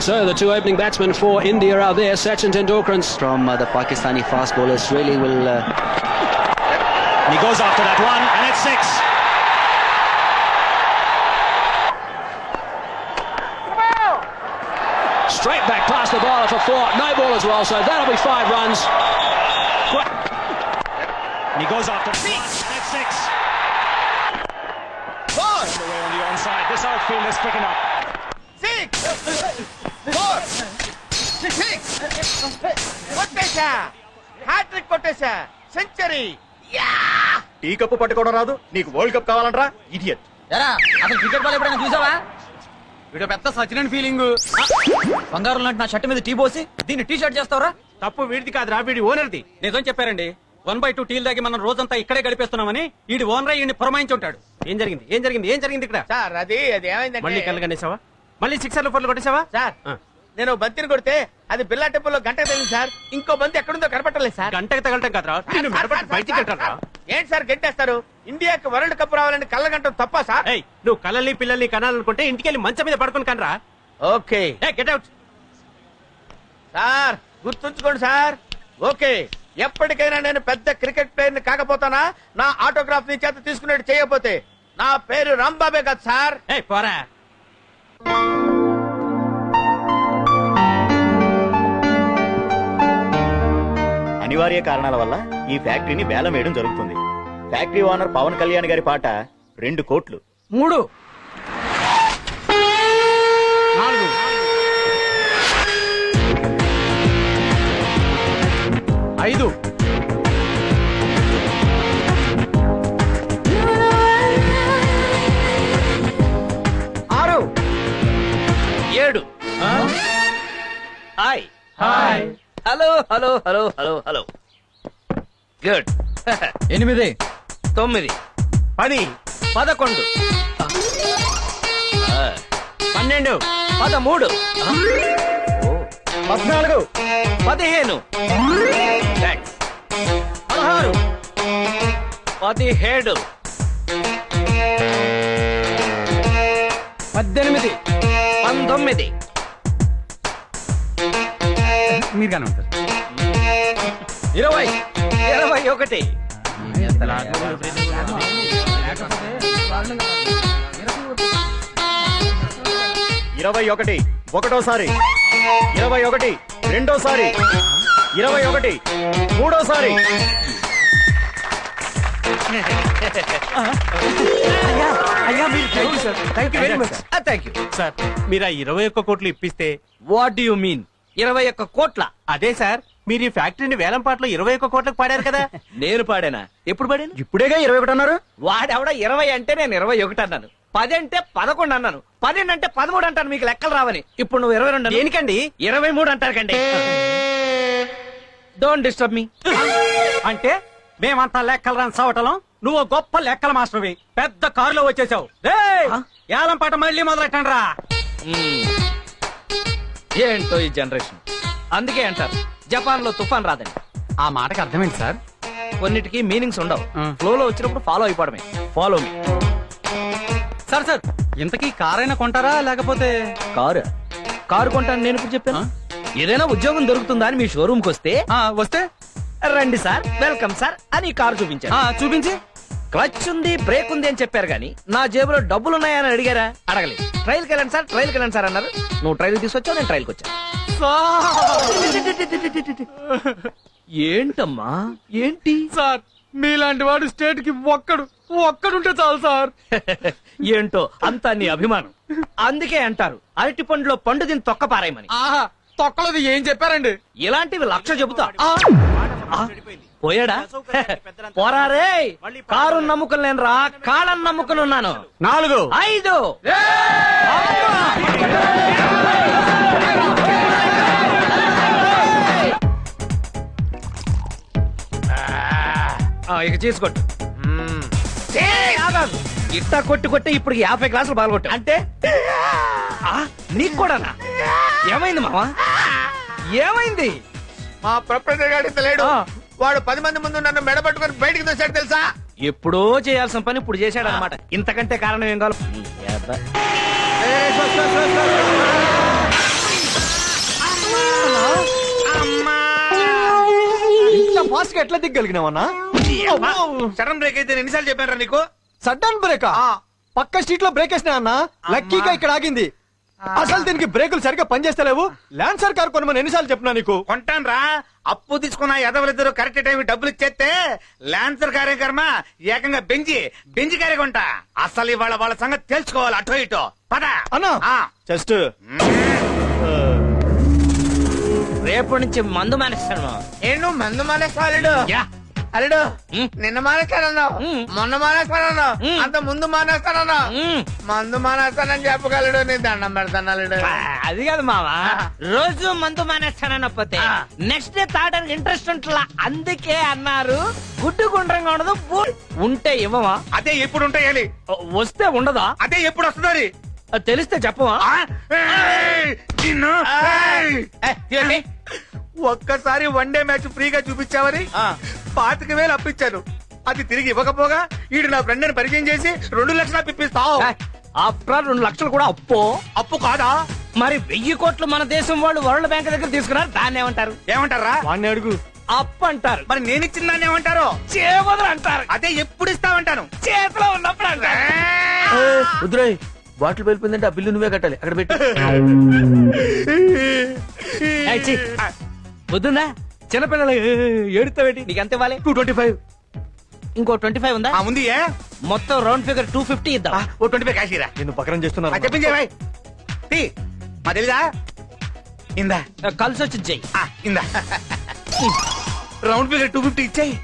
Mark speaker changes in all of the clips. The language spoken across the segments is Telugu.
Speaker 1: So the two opening batsmen for India are there. Sachin Tendulkar
Speaker 2: from the Pakistani fast bowlers really will.
Speaker 3: He goes after that one, and it's 6.
Speaker 1: Straight back past the bowler for 4. No ball as well, so that'll be 5 runs.
Speaker 3: And he goes after 6, and it's 6. Away on the onside. This outfield is picking up.
Speaker 4: 6 4 6 కొట్టేశా, హ్యాట్రిక్ కొట్టేశా, సెంచరీ.
Speaker 5: టీ కప్పు పట్టుకోవడం రాదు, నీకు వరల్డ్ కప్ కావాలంటరా ఇడియట్.
Speaker 2: ఎరా అసలు క్రికెట్ బాల్ ఎప్పుడైనా చూసావా? వీడు పెద్ద సచిన్ ఫీలింగ్. బంగారం లాంటి నా షర్ట్ మీద టీ పోసి దీన్ని టీ షర్ట్ చేస్తావరా?
Speaker 6: తప్పు వీడిది కాదురా, వీడి ఓనర్ది.
Speaker 7: నిజం చెప్పారండి. 1/2 టీల్ దాగి మనం రోజంతా ఇక్కడే గడిపేస్తున్నామని ఈడి ఓనర్ ఈయన్ని పురమాయించి ఉంటాడు.
Speaker 6: ఏం జరిగింది ఏం జరిగింది ఏం జరిగింది ఇక్కడ?
Speaker 4: సార్ అది ఏమైందంటే,
Speaker 6: మళ్ళీ కళ్ళగనేసావా? మళ్ళీ 6 4 కొట్టేసావా?
Speaker 4: సార్ నేను బంతిని కొడితే అది బిల్లా టెంపుల్లో గంటకు తగిలింది సార్. ఇంకో బంతి ఎక్కడుందో కనపట్టలేదు సార్.
Speaker 6: గంటకి తగలటం కాదురా, నిన్ను మెడపట్టి బయటికి కట్టారా?
Speaker 4: ఏంటి సార్ గెంటేస్తారు? ఇండియాకి వరల్డ్ కప్ రావాలని కళ్ళగంటం తప్ప సార్?
Speaker 6: ఏయ్, నువ్వు కళ్ళని పిల్లల్ని కనాలనుకుంటే ఇంటికెళ్ళి మంచం మీద పడుకుని కనరా.
Speaker 4: Okay
Speaker 6: get out.
Speaker 4: సార్ గుర్తుంచుకోండి సార్. ఓకే, ఎప్పటికైనా నేను పెద్ద క్రికెట్ ప్లేయర్ ని కాకపోతానా నా ఆటోగ్రాఫ్ ని చేత తీసుకునేట్టు చేయకపోతే నా పేరు రాంబాబే కదా సార్.
Speaker 6: ఏయ్ పోరా.
Speaker 5: అనివార్య కారణాల వల్ల ఈ ఫ్యాక్టరీని వేలం వేయడం జరుగుతుంది. ఫ్యాక్టరీ ఓనర్ పవన్ కళ్యాణ్ గారి పాట 2 కోట్లు.
Speaker 2: 3
Speaker 6: 4
Speaker 2: 5 6 7. Hi hi hello hello hello hello hello good. 8 9
Speaker 6: 10
Speaker 2: 11
Speaker 6: 12 13
Speaker 2: 13 14 15
Speaker 6: thanks
Speaker 2: 16 17 18 19
Speaker 7: మీరుగానే ఉంటారు.
Speaker 2: 20 21
Speaker 5: 21 ఒకటోసారి, 21 రెండోసారి, 21 మూడోసారి.
Speaker 2: అయ్యా మీరు thank you sir, thank you very much. Thank you
Speaker 6: sir. మీరు ఆ 21 కోట్లు ఇప్పిస్తే.
Speaker 2: వాట్ డు యు మీన్ 21 కోట్ల?
Speaker 6: అదే సార్, మీరు ఈ ఫ్యాక్టరీని వేలం పాటలో 21 కోట్లకు పాడారు కదా.
Speaker 2: నేను పాడానా? ఎప్పుడు పాడాను?
Speaker 5: ఇప్పుడేగా 21 అన్నారు.
Speaker 2: వాడెవడ 20 అంటే నేను 21 అన్నాను. 10 అంటే 11 అన్నాను. 12 అంటే 13 అంటాను. మీకు లెక్కలు రావని. ఇప్పుడు నువ్వు 22
Speaker 6: దేనికండి?
Speaker 2: 23 అంటారు కండి. Don't disturb me.
Speaker 7: అంటే మేమంతా లెక్కలు రాని చవటలం, నువ్వు గొప్ప లెక్కల మాస్టర్వి. పెద్ద కారులో వచ్చేసావు. ఏలం పాట మళ్ళీ మొదలెట్టండి రా.
Speaker 2: ఏంటో ఈ జనరేషన్. అందుకే అంటారు జపాన్ లో తుఫాన్ రాదని.
Speaker 7: ఆ మాటకి అర్థమేంటి సార్?
Speaker 2: కొన్నిటికి మీనింగ్స్ ఉండవు. ఫ్లో లో వచ్చినప్పుడు ఫాలో అయిపోవడమే. Follow me.
Speaker 7: సార్ సార్ ఇంతకీ కారైనా కొంటారా లేకపోతే?
Speaker 2: కారు కొంటాను నేను ఇప్పుడు చెప్పాను. ఏదైనా ఉద్యోగం దొరుకుతుందా అని మీ షోరూమ్ కి వస్తే
Speaker 7: వస్తే
Speaker 2: రండి సార్, వెల్కమ్ సార్ అని కారు చూపించారు.
Speaker 7: చూపించి
Speaker 2: క్లచ్ ఉంది, బ్రేక్ ఉంది అని చెప్పారు కానీ నా జేబులో డబ్బులు ఉన్నాయని అడిగారా? అడగలేదు. ట్రైల్కి వెళ్ళండి సార్, ట్రైల్కి వెళ్ళండి సార్ అన్నారు. నువ్వు ట్రైల్ తీసుకొచ్చావు, నేను ట్రైల్కి వచ్చాను. ఏంటమ్మా ఏంటి
Speaker 7: సార్ మీలాంటి వాడు స్టేట్ కి ఒక్కడుంటే చాలు సార్.
Speaker 2: ఏంటో అంతా నీ అభిమానం. అందుకే అంటారు అరటి పండులో పండు దీన్ని తొక్క పారాయమని.
Speaker 7: తొక్కలది ఏం చెప్పారండి?
Speaker 2: ఇలాంటివి 1,00,000 చెబుతా. పోయాడా? పోరారే. కారు నమ్ముకుని నేను రా, కాళ్ళని నమ్ముకుని ఉన్నాను.
Speaker 7: 4
Speaker 2: 5 ఇక చేసుకోట్టు. ఇట్టా కొట్టి ఇప్పుడు 50 గ్లాసులు పాల్గొట్టు. అంటే నీకు కూడానా? ఏమైంది మావా? ఏమైంది?
Speaker 4: మా ప్రొపరేటర్ గారు ఇంత లేడు. వాడు 10 మంది ముందు నన్ను మెడబట్టుకుని బయటికి తెచ్చాడు తెలుసా?
Speaker 2: ఎప్పుడో చేయాల్సిన పని ఇప్పుడు చేశాడు అనమాట. ఇంతకంటే కారణం ఏం కావాలి?
Speaker 6: ఫాస్ట్ గా ఎట్లా దిగ్గలిగినావన్నా?
Speaker 4: సడన్ బ్రేక్ అయితే నేను ఎన్నిసార్లు చెప్పాను నీకు?
Speaker 6: సడన్ బ్రేక్ పక్క స్ట్రీట్ లో బ్రేక్ వేసినా అన్న, లక్కీగా ఇక్కడ ఆగింది. అసలు దీనికి బ్రేకులు సరిగ్గా పనిచేస్తలేవు. ల్యాన్సర్ కార్ కొనమని ఎన్నిసార్లు చెప్పినా నీకు?
Speaker 4: కొంటాను రా, అప్పు తీసుకున్న ఎదవలిద్దరు కరెక్ట్ టైం డబ్బులు ఇచ్చేస్తే లాన్సర్ కార్యక్రమ ఏకంగా బెంజి కారే కొంటా. అసలు ఇవాళ వాళ్ళ సంగతి తెలుసుకోవాలి. అటో ఇటో పద
Speaker 6: అన్నా
Speaker 4: ఆ.
Speaker 6: జస్ట్
Speaker 2: రేపటి నుంచి మందు మానేస్తాను.
Speaker 4: నేను మందు మానేస్తా అల్లుడు. అల్లుడు నిన్న మానేస్తానన్నావు, మొన్న మానేస్తానన్నావు, అంత ముందు మానేస్తానన్నావు. మందు మానేస్తానని చెప్పగలడు. నీ దండం పెడతాను అల్లుడు.
Speaker 2: అది కాదు మావా, రోజు మందు మానేస్తానకపోతే నెక్స్ట్ డే తాగడానికి ఇంట్రెస్ట్ ఉంటలా. అందుకే అన్నారు గుడ్డు గుండ్రంగా ఉండదు, ఉంటే ఇవ్వవా?
Speaker 4: అదే ఎప్పుడు ఉంటాయాలి,
Speaker 2: వస్తే ఉండదా?
Speaker 4: అదే ఎప్పుడు వస్తుంది.
Speaker 2: అది తెలిస్తే చెప్పవా?
Speaker 4: ఒక్కసారి వన్ డే మ్యాచ్ ఫ్రీగా చూపించావని 25,000 అప్పించాను. అది తిరిగి ఇవ్వకపోగా ఈడు నా ఫ్రెండ్ ని పరిచయం చేసి 2 లక్షలు అప్పిస్తావు.
Speaker 2: ఆఫ్టర్ 2 లక్షలు కూడా అప్పు.
Speaker 4: అప్పు కాదా?
Speaker 2: మరి 1000 కోట్లు మన దేశం వాళ్ళు వరల్డ్ బ్యాంక్ దగ్గర తీసుకున్నారు. దాన్ని ఏమంటారు?
Speaker 4: ఏమంటారా?
Speaker 6: వాడిని అడుగు.
Speaker 2: అప్పు అంటారు.
Speaker 4: మరి నేను ఇచ్చిన దాన్ని ఏమంటారు?
Speaker 2: చేవదులు అంటారు.
Speaker 4: అదే ఎప్పుడు ఇస్తామంటాను.
Speaker 2: చేతిలో ఉన్నప్పుడు అంటారు.
Speaker 8: వద్దురాయ్, బాటిల్ వెళ్ళిపోయిందంటే ఆ బిల్లు నువ్వే కట్టాలి. అక్కడ పెట్టి
Speaker 2: వద్దుందా? చిన్నపిల్లలు ఏడుతావేటి? నీకు ఎంత ఇవ్వాలి?
Speaker 4: 225.
Speaker 2: ఇంకో 25 ఉందా?
Speaker 4: ఉంది.
Speaker 2: మొత్తం రౌండ్ ఫిగర్ 250 ఇద్దాం.
Speaker 4: ఓ 25 కాశీరా.
Speaker 6: నిన్ను పకరం చేస్తున్నారు.
Speaker 4: చెప్పించే భాయ్. మా తెలీదా? ఇందా
Speaker 2: కలిసి వచ్చి చెయ్యి.
Speaker 4: ఇందా రౌండ్ ఫిగర్ 250 ఇచ్చాయి.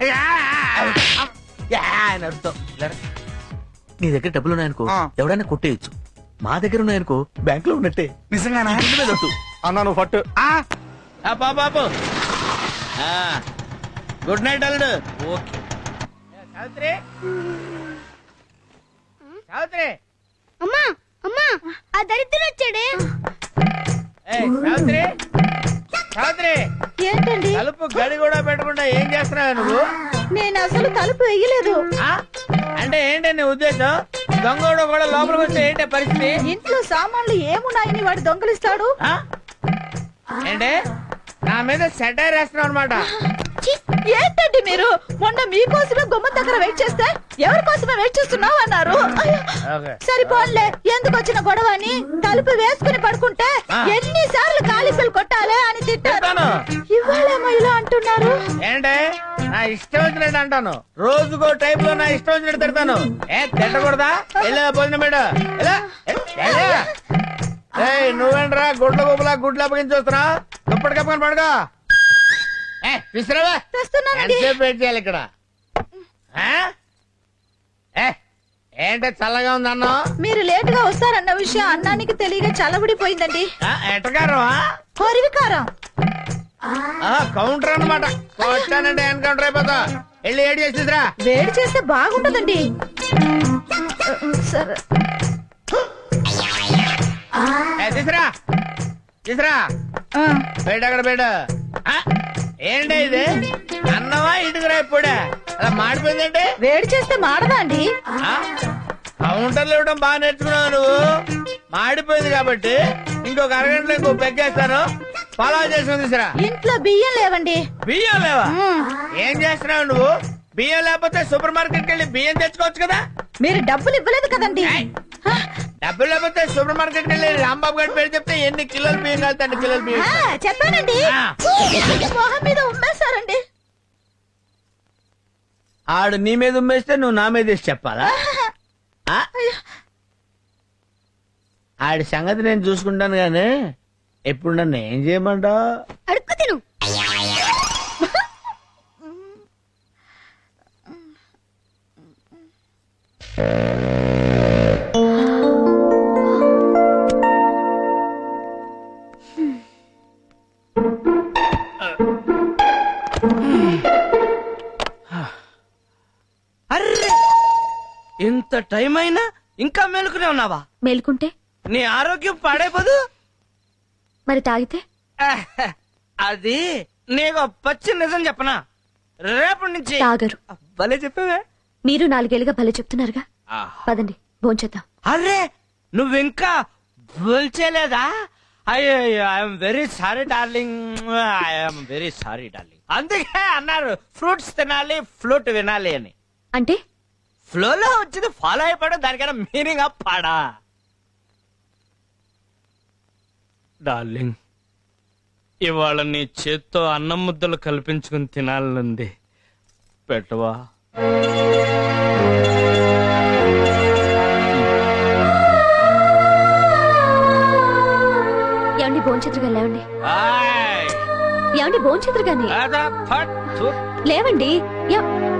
Speaker 2: అర్థం.
Speaker 8: నీ దగ్గర డబ్బులు ఉన్నాయనుకో,
Speaker 4: ఆ.
Speaker 8: ఎవడైనా కొట్టేయచ్చు. మా దగ్గర ఉన్నాయనుకో, బ్యాంక్ లో ఉన్నట్టే.
Speaker 4: నిజంగానా?
Speaker 6: అన్నా నువ్వు ఫట్.
Speaker 4: బాబు గుడ్ నైట్ అల్లుడు. ఓకే సావిత్రి, సావిత్రి,
Speaker 9: అమ్మా అమ్మా ఆ దరిద్రుడు వచ్చాడే.
Speaker 4: సావిత్రి, సావిత్రి,
Speaker 9: ఏంటండి?
Speaker 4: తలుపు గడి కూడా పెట్టకుండా ఏం చేస్తున్నావు నువ్వు?
Speaker 9: నేను అసలు తలుపు వేయలేదు.
Speaker 4: అంటే ఏంటి నీ ఉద్దేశం? దొంగోడు కూడా లోపలికి వస్తే ఏంటి పరిస్థితి?
Speaker 9: ఇంట్లో సామాన్లు ఏమున్నాయని వాడు దొంగలిస్తాడు.
Speaker 4: ఏంటి నా మీద సెటైర్ వేస్తున్నావు అనమాట?
Speaker 9: ఛీ, ఏంటండి మీరు? మొన్న మీకోసమే గుమ్మం దగ్గర వెయిట్ చేస్తే ఎవరి కోసమే వెయిట్ చేస్తున్నావు అన్నారు. అయ్యో, సరిపోన్లే, ఎందుకు వచ్చిన గొడవ అని తలుపు వేసుకుని పడుకుంటే ఎన్నిసార్లు కాలిఫీలు కొట్టాలి అని తిట్టాను. ఇవాళేమో ఇలా అంటున్నారు.
Speaker 4: ఏంటే నా ఇష్టం వచ్చినట్టు అంటాను, రోజుకో టైప్ లో నా ఇష్టం వచ్చినట్టు తిడతాను. తిట్టకూడదా? వెళ్ళా భోజనం మేడ. నువ్వేంట్రా గుడ్ల గుబులా గుడ్లు అప్పగించి వస్తున్నా? దుప్పటి కప్పుకొని పడుకో. విసిరావా?
Speaker 9: తెస్తున్నానండి.
Speaker 4: ఎంతసేపు వెయిట్ చేయాలి ఇక్కడ? ఏంటే చల్లగా ఉంది అన్నం?
Speaker 9: మీరు లేట్ గా వస్తారన్న విషయం అన్నానికి తెలియక చల్లబడిపోయిందండి.
Speaker 4: ఎట్టగారు
Speaker 9: హరివికారం.
Speaker 4: కౌంటర్ అన్నమాట. కొట్టానంటే ఎన్కౌంటర్ అయిపోతా. వెళ్ళి ఏడు చేసి తీసురా.
Speaker 9: వేడి చేస్తే బాగుండదండి. సరే
Speaker 4: తీసురా, తీసురా. బయట అక్కడ బయట. ఏంటి ఇది? అన్నమా ఇటుకురా? ఇప్పుడే అలా మాడిపోయిందంటే
Speaker 9: వేడి చేస్తే మాడదా అండి?
Speaker 4: కౌంటర్లు ఇవ్వడం బాగా నేర్చుకున్నావు నువ్వు. మాడిపోయింది కాబట్టి ఇంకొక అరగంటలో ఇంకో పెగ్గేస్తాను. పలావ్ చేసుకుని తీసురా.
Speaker 9: ఇంట్లో బియ్యం లేవండి.
Speaker 4: బియ్యం లేవా? ఏం చేస్తున్నావు నువ్వు? బియ్యం లేకపోతే సూపర్ మార్కెట్ కెళ్ళి బియ్యం తెచ్చుకోవచ్చు కదా.
Speaker 9: మీరు డబ్బులు ఇవ్వలేదు కదండి.
Speaker 4: డబ్బులు లేకపోతే సూపర్ మార్కెట్ కెళ్ళి రాంబాబు గారి పేరు చెప్తే ఎన్ని కిలోలు బియ్యం కలుగుతాయి? కిలోలు బియ్యం.
Speaker 9: చెప్పానండి. మొహం మీద ఉమ్మేశారండి.
Speaker 4: ఆడు నీ మీద ఉమ్మేస్తే నువ్వు నా మీద వేసి చెప్పాలా? ఆడి సంగతి నేను చూసుకుంటాను గానీ ఎప్పుడు నన్ను ఏం చేయమంటావు?
Speaker 9: అడుక్కు తిను.
Speaker 2: అర్రే, ఇంత టైం అయినా ఇంకా మేలుకునే ఉన్నావా?
Speaker 9: మేలుకుంటే
Speaker 2: నీ ఆరోగ్యం పాడైపోదు.
Speaker 9: మరి తాగితే
Speaker 2: అది నీకు పచ్చి నిజం చెప్పనా? రేపటి నుంచి
Speaker 9: తాగరు.
Speaker 2: భలే చెప్పావే.
Speaker 9: మీరు 4 ఏళ్ళుగా భలే చెప్తున్నారుగా. పదండి భోంచేద్దాం.
Speaker 2: అరే, నువ్వింకా భోల్చేలేదా? అయ్యో I'm very sorry darling, I'm very sorry darling. అందుకే అన్నారు ఫ్రూట్స్ తినాలి ఫ్లూట్ వినాలి అని.
Speaker 9: అంటే
Speaker 2: ఫ్లోలో వచ్చింది ఫాలో అయిపోవడం, దానికైనా మీనింగ్ పాడా. డార్లింగ్, ఇవాళ నీ చేత్తో అన్నం ముద్దలు కల్పించుకుని తినాలనుంది, పెట్టవా?
Speaker 9: ఏమండి భోంచేతురుగా లేవండి.
Speaker 2: ఆయ్.
Speaker 9: ఏమండి భోంచేతురుగాని
Speaker 2: అదా, ఫట్, థు.
Speaker 9: లేవండి.